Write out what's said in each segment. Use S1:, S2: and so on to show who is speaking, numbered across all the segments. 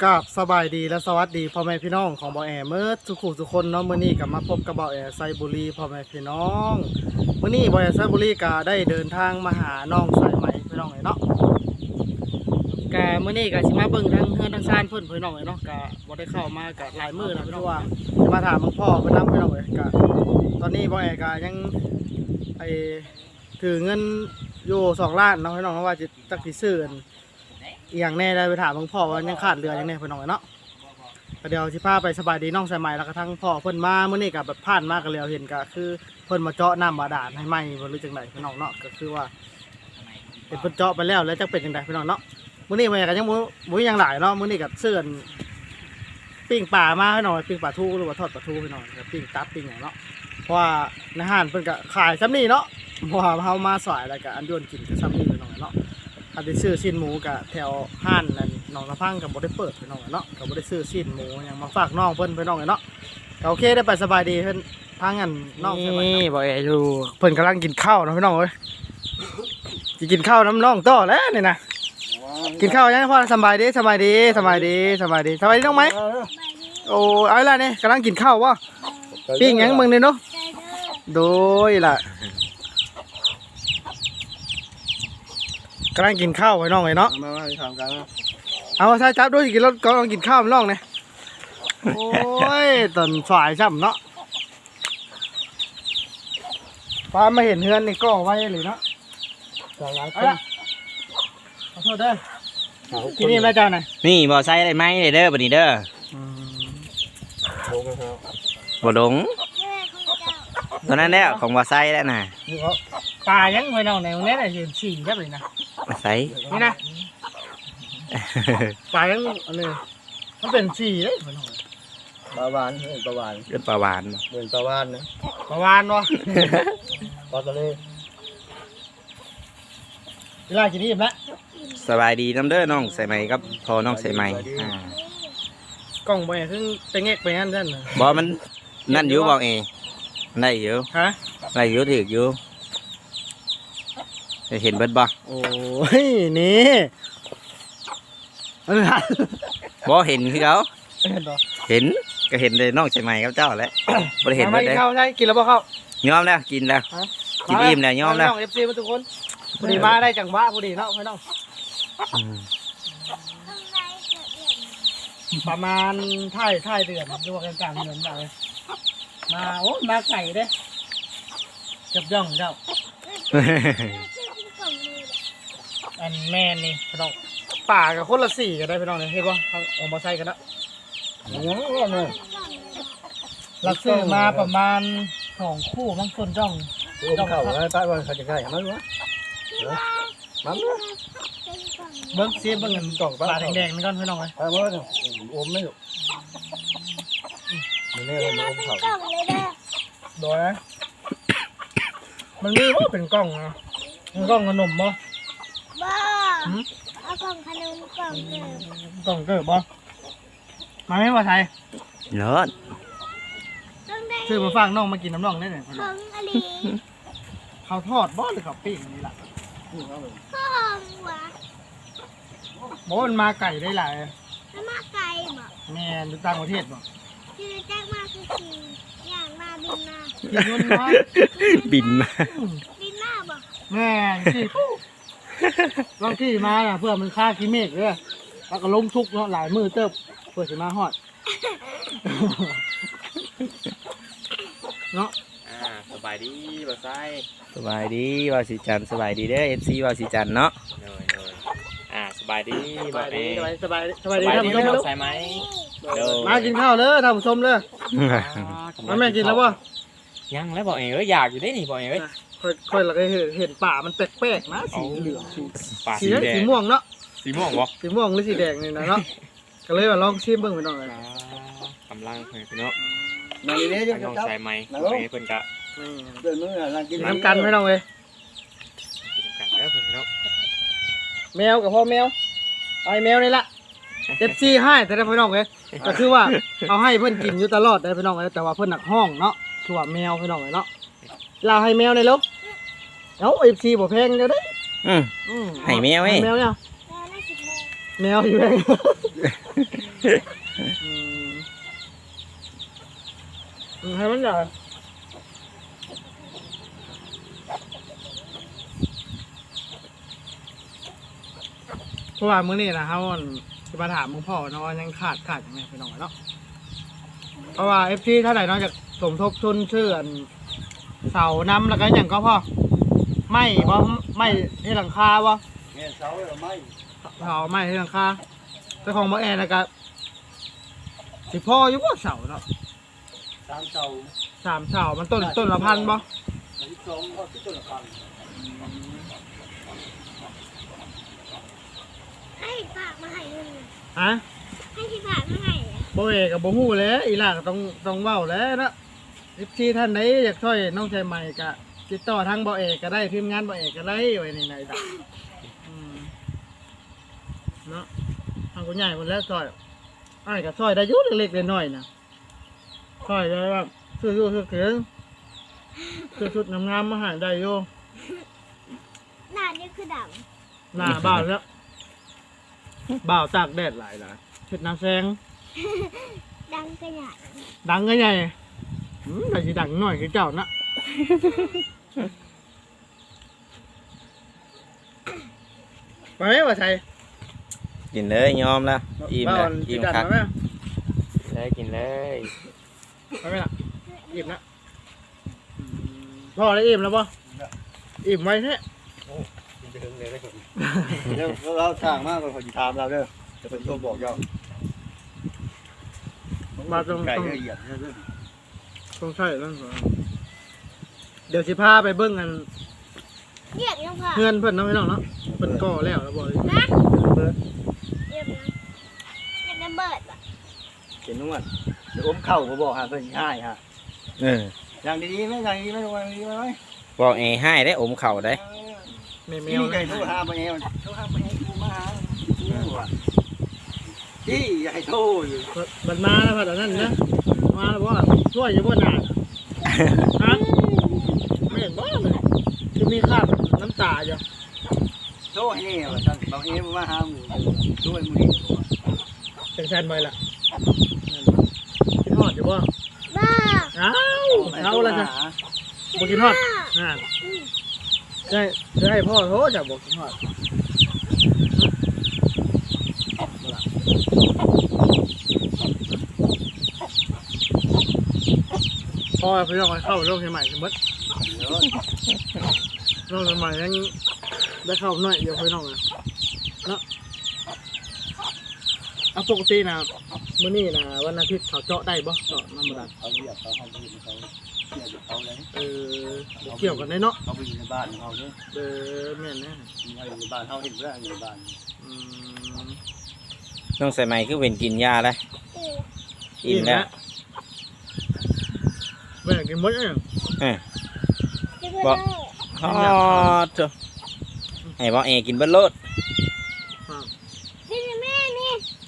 S1: กับสบายดีและสวัสดีพ่อแม่พี่น้องของบ่อแอเมื่อทุกคนเนาะมื้อนี้ก็มาพบกับบ่อแอไซบุรีพ่อแม่พี่น้องมื้อนี้บ่อแอไซบุรีก็ได้เดินทางมาหาน้องสายไหมพี่น้องเนาะก็มื้อนี้ก็สิมาเบิ่งทางเฮือนทางชานเพิ่นพี่น้องเนาะก็บ่ได้เข้ามาก็หลายมื้อแล้วพี่น้องว่ามาถามหลวงพ่อเพิ่นนำพี่น้องก็ตอนนี้บ่อแอก็ยังถือเงินอยู่2 ล้านเนาะพี่น้องว่าจะจักสิซื้ออย่างแน่ได้ไปถามหลวงพ่อว่ายังขาดเรือยังแน่พี่น้องเนาะเดี๋ยวสิพาไปสบายดีน้องสายใหม่แล้วก็ทั้งพ่อเพิ่นมาเมื่อนี้กับแบบผ่านมากันแล้วเห็นก็คือเพิ่นมาเจาะน้ำบาดาลให้ไหมบ่รู้จังไดพี่น้องเนาะก็คือว่าเป็นเพิ่นเจาะไปแล้วจักเป็นจังไดพี่น้องเนาะมื้อนี้แม่ก็ยังบ่ยังหลายเนาะมื้อนี้ก็เสื้อนปิ้งปลามาให้หน่อยปิ้งปลาทูหรือว่าทอดปลาทูให้หน่อยก็ปิ้งตับปิ้งหยังเนาะเพราะว่าในห้างเพิ่นก็ขายซ้ำนี้เนาะเพราะว่าเฮามาสายแล้วก็อันโยนกินก็ซ้ำนี้พี่น้องเนาะถ้าได้ซื้อชิ้นหมูกับแถวห้านนั่นน้องน้ำพังกับบ่ได้เปิดพี่น้องเนาะกับบ่ได้ซื้อชิ้นหมูยังมาฝากน้องเพิ่นพี่น้องเนาะโอเคได้ไปสบายดีเพิ่นทางอันน้องนี่บ่เออยู่เพิ่นกำลังกินข้าวนะพี่น้องเอ้ยสิกินข้าวน้ำน้องต่อแล้วนี่นะกินข้าวยังพ่อสบายดีน้องไหมโอ้เอาล่ะนี่กำลังกินข้าววะปิ้งหยังมึงนี่เนาะโดยล่ะกำลังกินข้าวไว้น้องไว้เนาะมาทำกันเอาใช่จับด้วยกินรถก็ต้องกินข้าวน้องเนี่ยโอ้ยตอนฝ่ายช่ำเนาะป้ามาเห็นเฮือนนี่ก็ไว้เลยเนาะขอโทษเด้อที่นี่แม่เจ้าไหน
S2: นี่บ่ใส่ได้ไหมเด้อบัดนี้เด้อบ่ดงตอนนั้นแล้วของบ่ใส่แล้วน่ะ
S1: ปลายังไว้น้องไหนตรงนี้น่ะเห็นสีแค่เลยนะ
S2: บ่ใส่
S1: นี่นะปลายังอะไรมันเป็นสีเลย
S3: ปลาวานปลาวาน
S2: เป็นปลาวาน
S3: เหมือนปลาวานนะ
S1: ปลาวานวะ
S3: ปลาทะเล
S1: เวลากินนี่อิ่มแล้ว
S2: สบายดีน้ำเด้อน้องใส่ไหมครับพอน้องใส่ไหม
S1: กล้องไปซึ่งเป็นเงกไปงั้นนั่น
S2: บ่มันนั่นอยู่บ่เอได้อยู่
S1: ฮะ
S2: ได้อยู่ถึกอยู่เห็นเบิดบ่
S1: โอ้ยนี่
S2: บ่เห็นคือเขาเห็นก็เห็นเลยน้องใส่ไหมครับเจ้าแหละบ่ได้เห็นเบิดเลย
S1: เข้าใช่กินแล้วบ่เข้าย
S2: อมแล้วกินแล้วกินอิ่มแล้วยอมแล้ว
S1: น้อง FC มาทุกคนพอดีมาได้จังหวะพอดีเนาะพี่น้องประมาณท้ายเดือนดูกันกลางเดือนเลยมาโอ้มาไก่เด้จับย่องเจ้าอันแม่นี่พี่น้องป่ากับคนละ4กันได้พี่น้องเนี่ยเห็นป่ะออกมาใส่กันแล้วเราซื้อมาประมาณ2 คู่บางคนจ้อง
S3: เข้าแล้วใต้วันเขาจะใกล้มั้งวะมั้ง
S1: เบิ้งซีเบิ้งเงินกล่องปลาแดงๆนี่ก่อนพี่น้องเลย
S3: เอามาอมไม่หรอกมันนี่เราอมเขา
S1: โดยมันมีว่าเป็นกล่องนะกล่องขนมบ่
S4: เอากล่องขนมกล่อง
S1: กล่องเกิดบ่มาไม่มาไทย
S2: เลิศ
S1: ซื้อมาฝากน้องมากินน้ำน้องได้ไหม
S4: ของอะไร
S1: เขาทอดบ่หรือเขาปิ้งนี่แหละ
S4: ข้าวหัว
S1: บ่มันมาไก่ได้หลาย
S4: แล้วมาไก่บ่
S1: แม่ดูต่างประเทศบ่
S4: คือแจ้งมาคืออย่างมาบินมา
S2: บินมา
S4: บินมาบ่
S1: แม่ที่ลองที่มาเพื่อมันฆ่าขี้เมฆเลยแล้วก็ล้มทุกเนาะหลายมือเติบเพื่อสิมาฮอดเนาะ
S2: สบายดีบ่ใส่สบายดีว่าสิจันสบายดีเด้อ FC ว่าสิจันเนาะสบายดี
S1: สบายดีท่านผู้ชม
S2: ใส่ไหม
S1: มากินข้าวเลยท่านผู้ชมเลยแม่กินแล้วป่ะ
S2: ยังแล้วบอกเอ้ยอยากอยู่ได้นี่บอกเอ้ย
S1: ค่อยเราเห็นป่ามันแปลกๆนะสีเหลืองสีม่วงเนาะ
S2: สีม่วงวะ
S1: สีม่วงหรือสีแดงนี่นะเนาะก็เลยว่าลองชิมเบิ่งไปหน่อย
S2: กำลังพี่เนาะ
S3: ในนี้จะ
S2: น้องใส่ไหมเพิ่นกะ
S3: เดินมืออะไรกิน
S1: น้ำกันไม่ต้องเลย
S2: กันแล้วเพิ่นเนาะ
S1: แมวกับพ่อแมวไอ้แมวนี่ละFCให้แต่ได้พี่น้องเลยก็คือว่าเอาให้เพื่อนกินอยู่ตลอดได้พี่น้องเลยแต่ว่าเพื่อนหนักห้องเนาะคือว่าแมวพี่น้องเลยเนาะเราให้แมวในลูกเอา FC บ่แพงเดี๋ยวได้
S2: ให้แมว
S1: แมวเนี่ยแมวอยู่เลยให้มันใหญ่เพราะว่ามื้อนี้นะเขาจะมาถามมึงพ่อเนาะว่ายังขาดยังไงไปน้องเนาะเพราะว่าเอฟซีเท่าไหร่เนาะจะสมทบทุนชื่ออันเสาน้ำแล้วก็อย่างก็พ่อไม่บ่ไม่ให้หลังคาบ่
S3: แม่เสาเราไม่
S1: เสาไม่ให้หลังคาแต่ของบ่แอร์นะก็สิพ่ออยู่บ่เสาเนาะ
S3: 3เสา
S1: 3เสามันต้นละพันบ่
S3: 12ก็ต้นละพัน
S4: ให้ฝากมาให้เงิน
S1: ฮะ
S4: ให้ที่ฝากมาให้อะ
S1: บ่แอร์ก็บ่ฮู้แหล้วอีหล่าก็ต้องเว้าแหล้วเนาะที่ท่านใดอยากช่วยน้องชายใหม่ก็ติดต่อทางบ่แอร์ก็ได้ทีมงานบ่แอร์ก็ได้ไว้นี่ไหนดอกเนาะทางกูใหญ่หมดแล้วซอยอ้ายก็ซอยได้อยู่เล็กๆน้อยๆนะซอยได้ว่าซื้ออยู่ซื้อถึงซื้อชุดงามๆมาให้ได้อยู่
S4: หน้านี่คือด
S1: หน้าบ้านแล้วบ่าวตากแดดหลายล่ะเฮ็ดน้ำแซง
S4: ำดังกระหยาด
S1: ดังก็ใหญ่แต่สิดังหน่อยคือเจ้านะไปไหมวะชัย
S2: กินเลยยอมแล้วอิ่มแล้วอิ่ม
S1: ดัง
S2: คัก
S1: ไหม
S2: เลยกินเลย
S1: ไปไหมล่ะอิ่มนะพ่อได้อิ่มแล้วป่ะอิ่มไว้แท้
S3: ไปถึงเลยได้คนเดี๋ยวเราสร้างมากกว่าคนถามเราเด้อจะเป็นตัวบอกเจ้า
S1: มาตรง
S3: ไก่
S1: ตรง
S3: ละเอียดเด้อ
S1: ตรงใช่แล้วเดี๋ยวสิพาไปเบิ้งกัน
S4: เรียกยังพ่อ
S1: เพื่อนเพื่อนน้องพี่น้องเนาะเพื่อนก่อแล้วแล้วบอก
S4: นะ
S1: เบิร์ด
S4: เรียกนะเรียกระเบิดป่ะ
S3: เห็นนุ่มเดี๋ยวอมเข่าก็บอกฮะเพิ่นง่ายฮะ อย่างดีๆไหมอย่างดีๆไหมอย่างดีๆไหม
S2: บอกเอให้ได้อมเข่าได้
S1: แม
S3: มี
S1: ว
S3: ไก่
S1: นะ
S3: โทรหาไปเองโทรหาไปเองมาหาที่อย่าให้โทรอยู่
S1: มันมาแล้วพัดอันนั้นนะมาแล้วว่าช่วยอยู่บนหนาฮะไม่เห็นบ้าเลยคือมีคราบน้ำตาอยู่
S3: โทรให้แน่ว่าท่านบางเองมาหาหมูด้วยมือ
S1: เป็นแฟนไปล่ะกินฮอดอยู่บ่
S4: บ้า
S1: อ้าวเอาละจ้ะบ่กินฮอดนั่นจะให้พ่อโทรจะบอกกินฮอดพ่อพี่น้องเข้าโลกใหม่สมมติโลกใหม่ยังได้เข้าหน่อยเดียวพี่น้องเลยเนาะเอาปกตินะมื้อนี้นะวันอาทิตย์เขาเจาะได้บ่เจาะน้ำมัน
S3: เขาเรียกเขาเขาเรียกเขาเรียกเขาเลย
S1: เกี่ยวกันได้เนาะ
S3: เขาไปอยู่ในบ้านเขาเนี่ย
S1: แม่นแน่
S3: อยู่ในบ้านเขาเห็นว่าอยู่ในบ้าน
S2: น้องใส่ไหมคือเป็นกินยาเลยอิ่มแล้ว
S1: แม่กินหมดเอง
S4: จะเพื่อน
S2: อ๋อจ้ะให้บอกเอกินเบิ้ลโลด
S4: นี่แม่นี่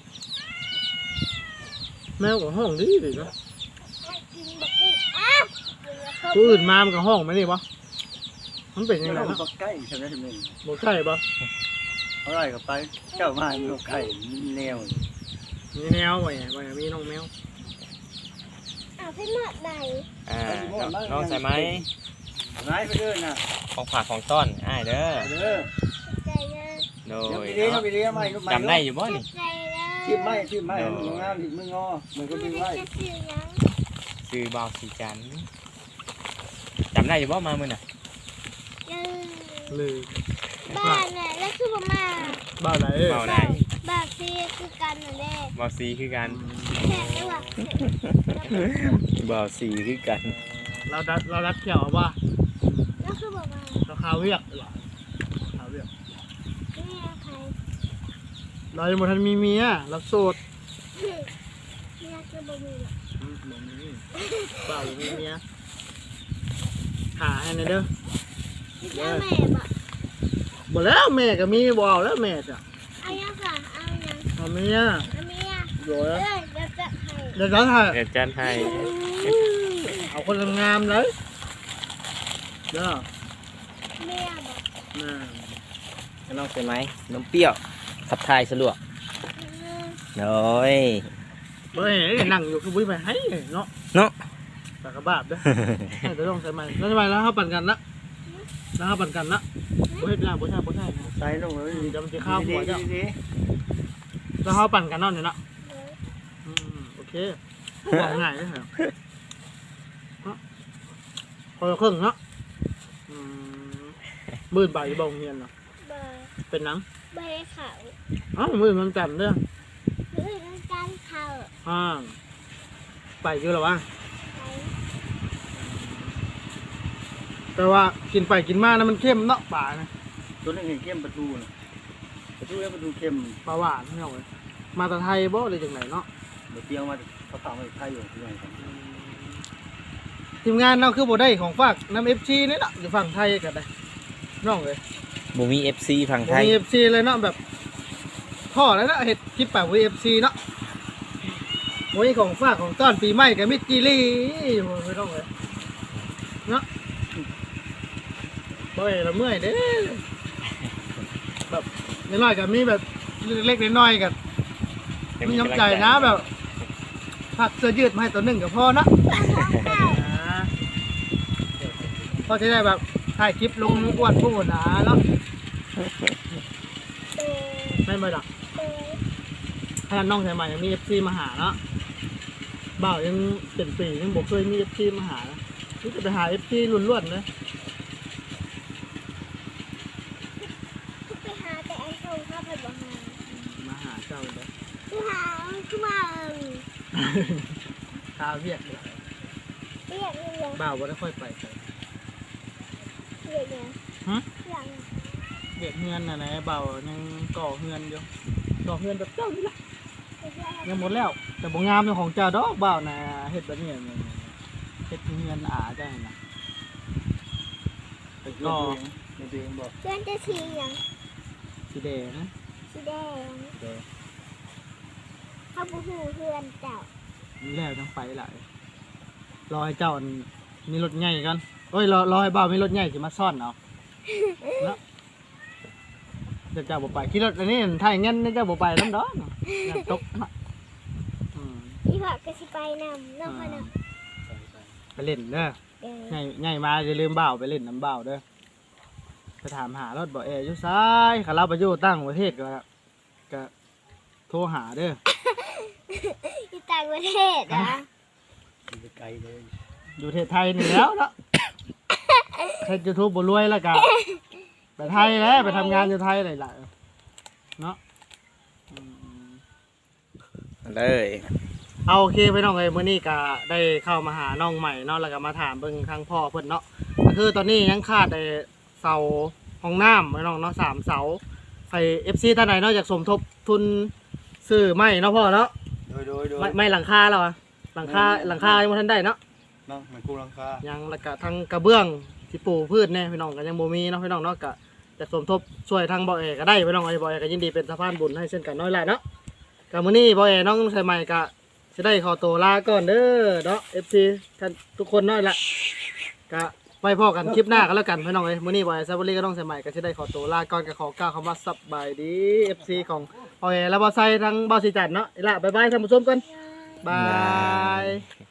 S1: แมวกับห้องดีดีนะ
S4: กินแบบนี้อ้าว
S1: ผู้อื่นมามันกับห้องไหมนี่บ่มันเป็นยังไง
S3: เรา
S1: เนาะ
S3: ใกล้ใช่ไหมใช่ไหม
S1: บ่ใช่บ่
S3: เขาไล่กับไปเจ้ามาอยู่ไข่แนว
S1: มีแมวบ่มีน้องแมว
S4: อ้าวพี่หมดไหน
S2: น้องใส่ไหม
S3: ร้ายไปเรื่อยนะ
S2: ของฝากของต้อนอ้ายเด้อ
S3: เด้อ
S4: ใจเยอะ
S2: โด
S3: เดี๋ยวย ไปเลี้ยงไม่
S2: จำได้อยู่บ่นี่
S4: ใจเยอะ
S3: ที่ไม่มึงงามที่มึงงอมึงก็ดึงไว้
S4: จะซื้อยัง
S2: ซื้อบาวสีจันทร์จำได้อยู่บ่มามื้อน่ะ
S1: เลย
S4: บ้านน่ะแล้วคือประมาณ
S1: บ้าไหน
S2: เบาไหน
S4: บ้านที่คือกันนั่นแหละ
S2: บาวสีคือกัน
S4: แค่ได้ว่า
S2: บาวสีคือกัน
S1: เราดัดเกี่ยวว่า
S4: แล้วคือประมาณ
S1: เราคาเวียกหรอคาเวียก
S4: นี่ใคร
S1: เรายังบ่ทันมีเมียเราโสด
S4: นี่คือบ่มี
S1: บ่มีบ้าบ่มีเมียหาให้หน่อยเด้อ
S4: แล้วแม่บอก
S1: บ่แล้วแม่ก็มีบ่เอาแล้วแม่จ้ะ
S4: เอายังค่ะเอายัง
S1: เอาเมีย
S4: เอาเมีย
S1: โดย
S4: เอ้ยเดี๋ยวจะให้
S1: เดี๋ยวจะถ่าย
S2: เดี๋ยวจันให้
S1: เอาคนงามๆเลยเด้อ
S4: เมียบอก
S1: น่า
S2: น้องใส่ไหมน้ำเปรี้ยวขับถ่ายสะดวก
S4: เ
S2: โดย
S1: เฮ้ยนั่งอยู่คือบุ้ยไปให้เนาะ
S2: เนาะ
S1: แต่กระบาดเด้อให้แต่ต้องใส่ไม้แล้วใช่ไหมแล้วเขาปั่นกันนะแล้วเขาปั่นกันนะบ่เฮ็ดยากบ่ใช่บ่ใช่
S3: ใส่ลงเลย
S1: จะมันจะข้าวหัวเจ้า
S3: ดี
S1: แล้วเขาปั่นกันเนาะเนี่ยเนาะโอเคบอกง่ายเลยเหรอพอครึ่งเนาะมื่นใบบ่งเงียนเนาะ
S4: เบอร์
S1: เป็นหนัง
S4: เบอร์เขา
S1: อ้าวมื่นมันจันทร์เด้อ
S4: หรือการเขา
S1: ไปอยู่หรอวะ
S4: ไป
S1: แต่ว่ากินไปกินมานะมันเข้มเนาะป่านะ
S3: ๆตัวนึงเห็นเข้มประตูน่ะประตูแล้วประตูเข้ม
S1: ปลาหวานไม่เอาเลยมาแต่ไทยบ่เลยจังไหนเนาะ
S3: บ่เตียวมาเขาฝากไว้ไทยอยู่ที่ไหนกัน
S1: ทีมงานเราคือบ่ได้ของฝากน้ำ FC นี่เนาะอยู่ฝั่งไทยกันได้น้องเลย
S2: บ่มี FC ฝั่งไทย
S1: มี FC เลยเนาะแบบพ่อแล้วเนาะเฮ็ดคลิปแบบ FC เนาะโอ้ยของฝากของต้อนปีใหม่กับมิตรจีรี่ไม่ต้องเลยเนาะบ่อยละเมื่อยเด้แบบน้อยๆกับมีแบบเล็กๆน้อยๆกับมีน้ำใจนะแบบผักเสื้อยืดมาให้ตัวหนึ่งกับพ่อเนาะพอจะได้แบบถ่ายคลิปลงอ้วนพูดนะเนาะ
S4: เบอร์
S1: ไม่มาดัก
S4: เบอร์
S1: ถ้าน้องชายใหม่ยังมี FC มาหาเนาะบ่าวยังเป็นปียังบอกเคยมี FC มาหานะนี่จะไปหา FC ล้วนๆเลย
S4: ไปหาแต่ไอ้ชงเข้าไปบอกหา
S1: มาหาเจ้าเลย
S4: ไปหาขึ้นมา
S1: ข้าวเวียกเลย
S4: เรียกเรียก
S1: บ่าวบ่ได้ค่อยไปใส่
S4: เรียกเนี่ย
S1: ฮะ
S4: เรียก
S1: เวียกเฮือนน่ะนะบ่าวยังก่อเฮือนอยู่ก่อเฮือนแบบเจ้านี่แหละยังหมดแล้ว แต่บ่งามเป็นของเจ้าดอกบ่าวน่ะเฮ็ดแบบนี้เฮ็ดเฮือนอาจ้าน่ะไป
S3: ก็
S1: ก่อ
S3: ในตัวเองบอก
S4: เพื่อนจะสีอย่าง
S1: สีแดง
S4: สีแดงเขาบูฮูเพื่อนเจ้า
S1: นี่แล้วจังไปหลายรอให้เจ้ามีรถใหญ่กันโอ้ยรอให้บ่าวมีรถใหญ่สิมาซ่อนเอาเนาะเจ้าบ่ไปขี่รถอันนี้ถ้าอย่างงั้นเจ้าบ่ไปนำดอกน้ำตกเนาะ
S4: พี่ผักก็สิไปนำน้องพนัก
S1: ไปเล่นเด้อ
S4: เดิน
S1: ง่ายมาอย่าลืมบ่าวไปเล่นน้ำบ่าวเด้อไปถามหารถบ่แอร์อยู่ซ้ายขาเราไปอยู่ตั้งประเทศก็โทรหาเด้อ
S4: ที่ต่างประเทศอ่ะ
S3: อยู่ไกลเลย
S1: อยู่ประเทศไทยนี่แล้วเนาะเฮ็ด YouTube บ่รวยแล้วก็ไปไทยแล้วไปทำงานอยู่ไทยหลายๆเนาะ
S2: เลย
S1: เอาโอเคไปน้องเอ้ยมื้อนี้ก็ได้เข้ามาหาน้องใหม่เนาะแล้วก็มาถามเบิ่งทางพ่อเพิ่นเนาะก็คือตอนนี้ยังขาดเสาห้องน้ำไว้น้องเนาะ3เสาใคร FC ท่านใดเนาะอยากสมทบทุนซื้อไม้เนาะพ่อเนาะ
S3: โดย
S1: ไม้หลังคาแล้วอะหลังคายังบ่ทันได้เนาะ
S3: เนาะมันกูรังคา
S1: ยังแล้วก็ทางกระเบื้องที่ปลูกพืชแน่พี่น้องก็ยังบ่มีเนาะพี่น้องเนาะก็จะสมทบช่วยทางบ่อเอก็ได้พี่น้องบ่อเอก็ยินดีเป็นสะพานบุญให้เช่นกันน้อยหลายเนาะก็มื้อนี้บ่อเอน้องใส่ใหม่ก็สิได้ขอตัวลาก่อนเด้อเนาะ FC ท่านทุกคนน้อยละก็ไว้พอกันคลิปหน้ากันแล้วกันพี่น้องเอ้ยมื้อนี้บ่อเอซาบุรีก็ต้องใส่ใหม่ก็สิได้ขอตัวลาก่อนก็ขอกล่าวคำว่าสบายดี FC ของบ่อเอและบ่อไซทั้งบ่อสีจันทร์เนาะอีละบ๊ายบายท่านผู้ชมกันบาย